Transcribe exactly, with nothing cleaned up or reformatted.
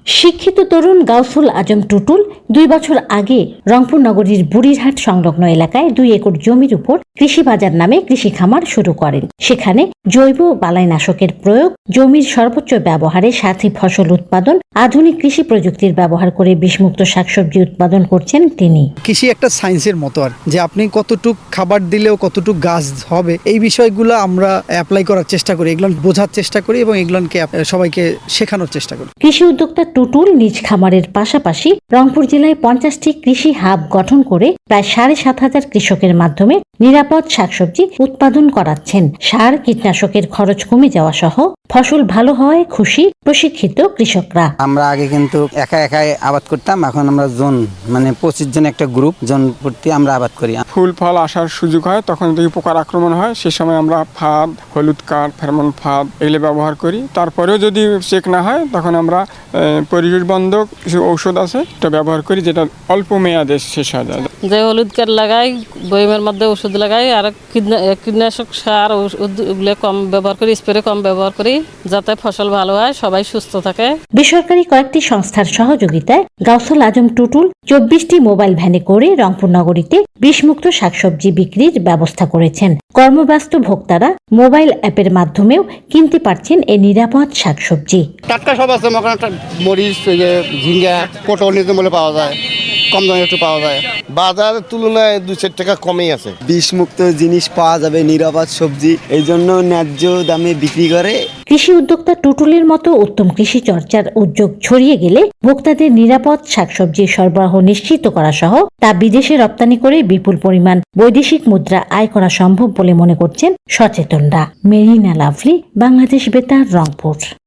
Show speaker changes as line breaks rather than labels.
শিক্ষিত তরুণ গাউসুল আজম টুটুল দুই বছর আগে রংপুর নগরীর বুড়িরহাট সংলগ্ন এলাকায় দুই একর জমির উপর কৃষি বাজার নামে কৃষি খামার শুরু করেন। সেখানে জৈব বালাইনাশকের প্রয়োগ, জমির সর্বোচ্চ ব্যবহারে সাথী ফসল উৎপাদন, আধুনিক কৃষি প্রযুক্তির ব্যবহার করে বিষমুক্ত শাকসবজি উৎপাদন করছেন তিনি।
কৃষি একটা সায়েন্সের মতো, আর যে আপনি কতটুক খাবার দিলেও কতটুক গাছ হবে, এই বিষয়গুলো আমরা অ্যাপ্লাই করার চেষ্টা করি, এগুলো বোঝার চেষ্টা করি এবং এগুলোকে সবাইকে শেখানোর চেষ্টা করি।
কৃষি উদ্যোক্তা টুটুল নিজ খামারের পাশাপাশি রংপুর জেলায় পঞ্চাশটি কৃষি হাব গঠন করে প্রায় সাড়ে সাত হাজার কৃষকের মাধ্যমে নিরাপদ শাকসবজি উৎপাদন করাচ্ছেন। সার কীটনাশকের খরচ কমে যাওয়া সহ ফসল ভালো হওয়ায় খুশি প্রশিক্ষিত কৃষকরা।
আমরা আগে কিন্তু একা একাই আবাদ করতাম, এখন আমরা জোন মানে পঁচিশ জন একটা গ্রুপ, জন প্রতি আমরা আবাদ করি।
ফুল ফল আসার সুযোগ হয়, তখন যদি পোকার আক্রমণ হয় সে সময় আমরা ফাঁদ, হলুদ কাঠ, ফেরোমন ফাঁদ এগুলো ব্যবহার করি। তারপরেও যদি চেক না হয় তখন আমরা পরিবেশ বন্ধক কিছু ঔষধ আছে এটা ব্যবহার করি, যেটা অল্প মেয়াদে শেষ হয়ে যায়।
যে হলুদ কাঠ লাগাই, বইমের মধ্যে ওষুধ লাগাই, আর কীটনাশক সার ওগুলো কম ব্যবহার করি, স্প্রে কম ব্যবহার করি, যাতে ফসল ভালো হয়, সবাই সুস্থ থাকে।
বেসরকারি কয়েকটি সংস্থার সহযোগিতায় গাউসুল আজম টুটুল চব্বিশটি মোবাইল ভ্যানে করে রংপুর নগরীতে বিষমুক্ত শাকসবজি বিক্রির ব্যবস্থা করেছেন। কর্মব্যস্ত ভোক্তারা মোবাইল অ্যাপের মাধ্যমেও কিনতে পারছেন এই নিরাপদ শাকসবজি।
টাটকা সব আছে, মরিচ, ঝিঙ্গা, পটল নিতে বলে পাওয়া যায়, কম দামে একটু পাওয়া যায়। বাজারের তুলনায় দুই চার টাকা কমেই আছে।
বিষমুক্ত জিনিস পাওয়া যাবে, নিরাপদ সবজি, এই জন্য ন্যায্য দামে বিক্রি করে।
কৃষি উদ্যোক্তা টুটুলের মতো উত্তম কৃষি চর্চার উদ্যোগ ছড়িয়ে গেলে ভোক্তাদের নিরাপদ শাকসবজির সরবরাহ নিশ্চিত করা সহ তা বিদেশে রপ্তানি করে বিপুল পরিমাণ বৈদেশিক মুদ্রা আয় করা সম্ভব বলে মনে করছেন সচেতনরা। মেরিনা লাভলি, বাংলাদেশ বেতার, রংপুর।